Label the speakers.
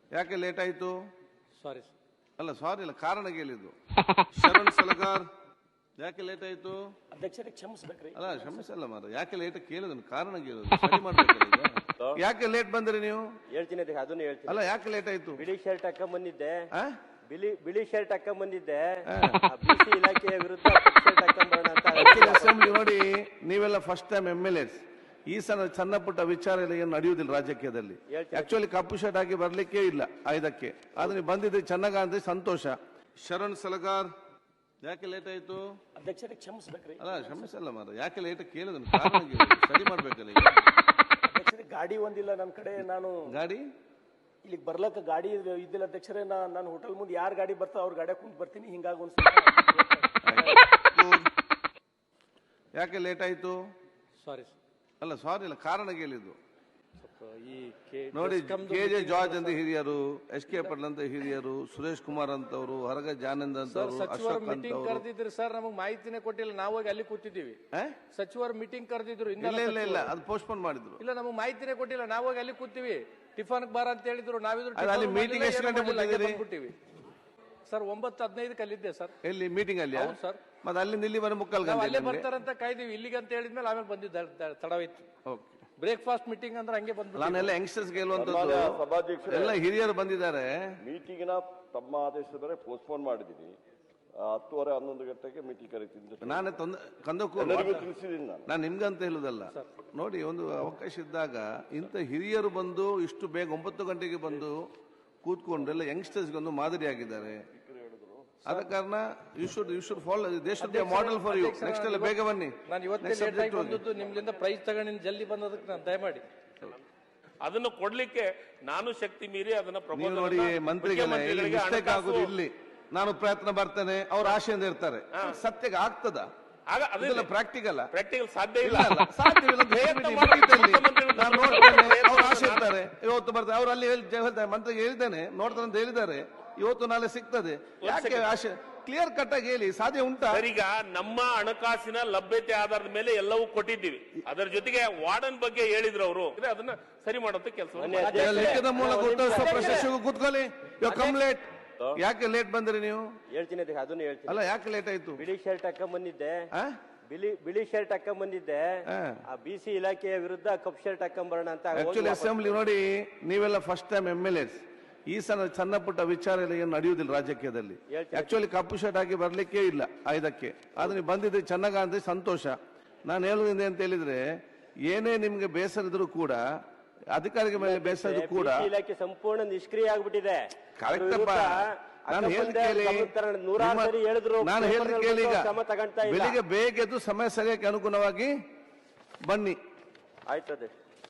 Speaker 1: ಯಾಕೆ ಲೇಟ್ ಆಯ್ತು?
Speaker 2: ಸಾರಿ
Speaker 1: ಅಲ್ಲ ಸಾರಿ ಅಲ್ಲ, ಕಾರಣ ಕೇಳಿದ್ದು. ಶರಣ್ ಸಲಗಾರ್ ಯಾಕೆ ಲೇಟ್ ಆಯ್ತು?
Speaker 3: ಅಧ್ಯಕ್ಷರೇ ಕ್ಷಮಿಸ್ಬೇಕ್ರಿ.
Speaker 1: ಅಲ್ಲ ಕ್ಷಮಿಸಲ್ಲ ಮಾರ, ಯಾಕೆ ಲೇಟ್ ಕೇಳಿದ್ರು, ಕಾರಣ ಕೇಳಿದ್ರು, ಸರಿ ಮಾಡ್ಬೇಕಲ್ಲ ಈಗ. ಯಾಕೆ ಲೇಟ್ ಬಂದ್ರಿ ನೀವು?
Speaker 4: ಹೇಳ್ತೀನಿ ಅದನ್ನು ಹೇಳ್ತೀನಿ.
Speaker 1: ಅಲ್ಲ ಯಾಕೆ ಲೇಟ್ ಆಯ್ತು?
Speaker 4: ಬಿಳಿ ಶರ್ಟ್ ಹಾಕೊಂಡ್ ಬಂದಿದ್ದೆ,
Speaker 1: ಆ?
Speaker 4: ಬಿಳಿ ಶರ್ಟ್ ಹಾಕೊಂಡ್ ಬಂದಿದ್ದೆ, ಬಿಸಿ ಇಲಾಖೆಯ ವಿರುದ್ಧ ಕಪ್ಪು ಶರ್ಟ್ ಹಾಕೊಂಡ್ ಬರೋಣ ಅಂತ.
Speaker 1: ಅಸೆಂಬ್ಲಿ ನೋಡಿ, ನೀವೆಲ್ಲ ಫಸ್ಟ್ ಟೈಮ್ MLAs. ಈ ಸಣ್ಣ ಪುಟ್ಟ ವಿಚಾರ ಎಲ್ಲ ಏನು ನಡೆಯುವುದಿಲ್ಲ ರಾಜಕೀಯದಲ್ಲಿ. ಆಕ್ಚುಲಿ ಕಪ್ಪು ಶರ್ಟ್ ಹಾಕಿ ಬರ್ಲಿಕ್ಕೆ ಇಲ್ಲ ಇದಕ್ಕೆ, ಆದ್ರೆ ನೀವು ಬಂದಿದ್ರೆ ಚೆನ್ನಾಗ ಅಂದ್ರೆ ಸಂತೋಷ. ಶರಣ್ ಸಲಗಾರ್ ಯಾಕೆ ಲೇಟ್ ಆಯ್ತು?
Speaker 3: ಅಧ್ಯಕ್ಷರೇ ಕ್ಷಮಿಸ್ಬೇಕ್ರಿ.
Speaker 1: ಅಲ್ಲ ಕ್ಷಮಿಸಲ್ಲ ಮಾರ, ಯಾಕೆ ಲೇಟ್ ಕೇಳಿದ್ರು, ಕಾರಣ ಕೇಳಿದ್ರು, ಸರಿ ಮಾಡ್ಬೇಕಲ್ಲ ಈಗ.
Speaker 3: ಅಧ್ಯಕ್ಷರೇ ಗಾಡಿ ಒಂದಿಲ್ಲ ನನ್ನ ಕಡೆ, ನಾನು
Speaker 1: ಗಾಡಿ
Speaker 3: ಇಲ್ಲಿಗೆ ಬರ್ಲಕ್ಕ ಗಾಡಿ ಇದ್ದಿಲ್ಲ ಅಧ್ಯಕ್ಷರೇ. ನಾನು ಹೋಟೆಲ್ ಮುಂದೆ ಯಾರು ಗಾಡಿ ಬರ್ತಾ ಅವ್ರ ಗಾಡಿ ಕುಂತ್ ಬರ್ತೀನಿ, ಹಿಂಗಾಗಿ ಒಂದ್
Speaker 1: ಯಾಕೆ ಲೇಟ್ ಆಯ್ತು?
Speaker 2: ಸಾರಿ
Speaker 1: ಅಲ್ಲ ಸಾರಿ ಅಲ್ಲ, ಕಾರಣ ಕೇಳಿದ್ದು.
Speaker 2: ಈ
Speaker 1: ನೋಡಿ, KJ ಜಾರ್ಜ್ ಅಂತ ಹಿರಿಯರು, SK ಪಟೇಲ್ ಅಂತ ಹಿರಿಯರು, ಸುರೇಶ್ ಕುಮಾರ್ ಅಂತವ್ರು, ಹೊರಗ ಜಾನಂದ್ ಅಂತವ್ರು,
Speaker 2: ಸಚಿವರು ಮೀಟಿಂಗ್ ಕರೆದಿದ್ರು ಸರ್, ನಮಗೆ ಮಾಹಿತಿನೇ ಕೊಟ್ಟಿಲ್ಲ. ನಾವು ಹೋಗಿ ಅಲ್ಲಿ ಕೂತಿದ್ದೀವಿ. ಸಚಿವರು ಮೀಟಿಂಗ್ ಕರೆದಿದ್ರು,
Speaker 1: ಇಲ್ಲ ಅದು ಪೋಸ್ಟ್ಪೋನ್ ಮಾಡಿದ್ರು.
Speaker 2: ಇಲ್ಲ ನಮಗೆ ಮಾಹಿತಿನೇ ಕೊಟ್ಟಿಲ್ಲ. ನಾವು ಹೋಗಿ ಅಲ್ಲಿ ಕೂತೀವಿ. ಟಿಫನ್ ಬಾರ ಅಂತ ಹೇಳಿದ್ರು, ನಾವಿದ್ರು
Speaker 1: ಅಲ್ಲಿ ಮೀಟಿಂಗ್ ಎಷ್ಟು ಗಂಟೆ
Speaker 2: ಬಿಟ್ಟಿವಿ ಸರ್? 9:15 ಅಲ್ಲಿದ್ದೆ ಸರ್.
Speaker 1: ಎಲ್ಲಿ ಮೀಟಿಂಗ್ ಅಲ್ಲಿ?
Speaker 2: ಹೌದು ಸರ್.
Speaker 1: ಮತ್ತೆ ಅಲ್ಲಿ ನಿಲ್ಲಿ ಬರ ಮುಕ್ಕಲ್
Speaker 2: ಅಲ್ಲೇ ಬರ್ತಾರಂತ ಕಾಯ್ದೀವಿ. ಇಲ್ಲಿಗೆ ಅಂತ ಹೇಳಿದ್ಮೇಲೆ ಆಮೇಲೆ ಬಂದಿದ್ದ ತಡವಿತ್ತು. ಬ್ರೇಕ್ಫಾಸ್ಟ್ ಮೀಟಿಂಗ್ ಅಂದ್ರೆ ಹಂಗೆ ಬಂದ್ಬಿಟ್ಟು.
Speaker 1: ನಾನೆಲ್ಲ ಯಂಗ್ಸ್ಟರ್ಸ್ ಗೆಲ್ಲುವಂತದ್ದು ಎಲ್ಲ ಹಿರಿಯರು ಬಂದಿದ್ದಾರೆ.
Speaker 5: ಮೀಟಿಂಗ್ ನ ತಮ್ಮ ಆದೇಶದ ಮೇಲೆ ಪೋಸ್ಟ್ಪೋನ್ ಮಾಡಿದೀನಿ. 10:30 11 ಗಂಟೆಗೆ ಮೀಟಿಂಗ್ ಕರೀತೀನಿ.
Speaker 1: ನಾನೇ
Speaker 5: ತಿಳಿಸಿದ್ದೀನಿ.
Speaker 1: ನಾನು ನಿಮ್ಗಂತ ಹೇಳುದಲ್ಲ. ನೋಡಿ, ಒಂದು ಅವಕಾಶ ಇದ್ದಾಗ ಇಂಥ ಹಿರಿಯರು ಬಂದು ಇಷ್ಟು ಬೇಗ 9 ಗಂಟೆಗೆ ಬಂದು ಕೂತ್ಕೊಂಡು ಎಲ್ಲ ಯಂಗ್ಸ್ಟರ್ಸ್ಗೆ ಒಂದು ಮಾದರಿಯಾಗಿದ್ದಾರೆ. ಆದ ಕಾರಣ you should follow, they should be model for you. Next ಎಲ್ಲ ಬೇಗ ಬನ್ನಿ.
Speaker 2: ನಾನು ಇವತ್ತೇ ಲೇಟ್ ಆಗಿ ಬಂದದ್ದು, ನಿಮ್ಲಿಂದ ಪ್ರೈಸ್ ತಗೊಂಡು ಜಲ್ದಿ ಬಂದದಕ್ಕೆ ನಾನು ದಯಮಾಡಿ
Speaker 6: ಅದನ್ನು ಕೊಡ್ಲಿಕ್ಕೆ ನಾನು ಶಕ್ತಿ ಮೀರಿ ಅದನ್ನ
Speaker 1: ನೀವು ನೋಡಿ, ಮಂತ್ರಿಗಳಿಗೆ ಮಿಸ್ಟೇಕ್ ಆಗುದು ಇಲ್ಲಿ. ನಾನು ಪ್ರಯತ್ನ ಬರ್ತೇನೆ, ಅವ್ರ ಆಶೆಯಿಂದ ಇರ್ತಾರೆ. ಸತ್ಯಕ್ಕೆ ಆಗ್ತದ? ಅದೆಲ್ಲ ಪ್ರಾಕ್ಟಿಕಲ್
Speaker 6: ಸಾಧ್ಯ ಇಲ್ಲ.
Speaker 1: ಸಾಧ್ಯವಿಲ್ಲ. ನಾನು ನೋಡ್ತೇನೆ, ಅವ್ರ ಆಶೆ ಇರ್ತಾರೆ. ಇವತ್ತು ಬರ್ತಾರೆ, ಅವ್ರು ಅಲ್ಲಿ ಹೇಳ್ತಾರೆ, ಮಂತ್ರಿಗೆ ಹೇಳಿದ್ದೇನೆ, ನೋಡ್ತಾರೆ ಅಂತ ಹೇಳಿದ್ದಾರೆ. ಇವತ್ತು ನಾಳೆ ಸಿಗ್ತದೆ. ಯಾಕೆ ಆಶೆ? ಕ್ಲಿಯರ್ ಕಟ್ ಆಗಿ ಹೇಳಿ, ಸಾಧ್ಯ ಉಂಟಾ?
Speaker 6: ಈಗ ನಮ್ಮ ಹಣಕಾಸಿನ ಲಭ್ಯತೆ ಆಧಾರದ ಮೇಲೆ ಎಲ್ಲವೂ ಕೊಟ್ಟಿದ್ದೀವಿ. ಅದರ ಜೊತೆಗೆ ವಾರ್ಡನ್ ಬಗ್ಗೆ ಹೇಳಿದ್ರು ಅವರು, ಅದನ್ನ ಸರಿ ಮಾಡುತ್ತೆ ಕೆಲಸ.
Speaker 1: ಲಿಖಿತ ಮೂಲಕ ಉತ್ತರಿಸುವ ಪ್ರಶಸ್ತಿಗೂ ಕೂತ್ಕೊಳ್ಳಿ. ಕಂಪ್ಲೇಂಟ್ ಯಾಕೆ ಲೇಟ್ ಬಂದ್ರಿ ನೀವು?
Speaker 4: ಹೇಳ್ತೀನಿ ಅದನ್ನು ಹೇಳ್ತೀನಿ.
Speaker 1: ಅಲ್ಲ ಯಾಕೆ ಲೇಟ್ ಆಯ್ತು?
Speaker 4: ಬಿಳಿ ಶರ್ಟ್ ಹಾಕೊಂಡ್ ಬಂದಿದ್ದೆ, ಬಿಳಿ ಶರ್ಟ್ ಹಾಕೊಂಡ್ ಬಂದಿದ್ದೆ, ಬಿಸಿ ಇಲಾಖೆಯ ವಿರುದ್ಧ ಕಪ್ಪು ಶರ್ಟ್ ಹಾಕೊಂಡ್ ಬರೋಣ ಅಂತ.
Speaker 1: ಆಕ್ಚುಲಿ ಅಸೆಂಬ್ಲಿ ನೋಡಿ, ನೀವೆಲ್ಲ ಫಸ್ಟ್ ಟೈಮ್ MLAs. ಈ ಸಣ್ಣ ಪುಟ್ಟ ವಿಚಾರ ಎಲ್ಲ ಏನು ನಡೆಯುವುದಿಲ್ಲ ರಾಜಕೀಯದಲ್ಲಿ. ಆಕ್ಚುಲಿ ಕಪ್ಪು ಶರ್ಟ್ ಹಾಕಿ ಬರ್ಲಿಕ್ಕೆ ಇಲ್ಲ ಇದಕ್ಕೆ, ಆದ್ರೆ ನೀವು ಬಂದಿದ್ರೆ ಚೆನ್ನಾಗ ಅಂದ್ರೆ ಸಂತೋಷ. ನಾನು ಹೇಳುವುದಿಂದ ಅಂತ ಹೇಳಿದ್ರೆ, ಏನೇ ನಿಮ್ಗೆ ಬೇಸರ ಇದ್ರು ಕೂಡ, ಅಧಿಕಾರಿಗಳ ಮೇಲೆ ಬೇಸರ ಇದ್ರು ಕೂಡ,
Speaker 4: ಇಲಾಖೆ ಸಂಪೂರ್ಣ ನಿಷ್ಕ್ರಿಯ ಆಗ್ಬಿಟ್ಟಿದೆ.
Speaker 1: ಕರೆಕ್ಟಪ್ಪ. ನಾನು ಹೇಳಿದ ಕೇಳಿ, ಈಗ ಬೆಳಿಗ್ಗೆ ಬೇಗ ಎದ್ದು ಸಮಯ ಸರಿಯಾಗಿ ಅನುಗುಣವಾಗಿ ಬನ್ನಿ.
Speaker 4: ಆಯ್ತದೆ.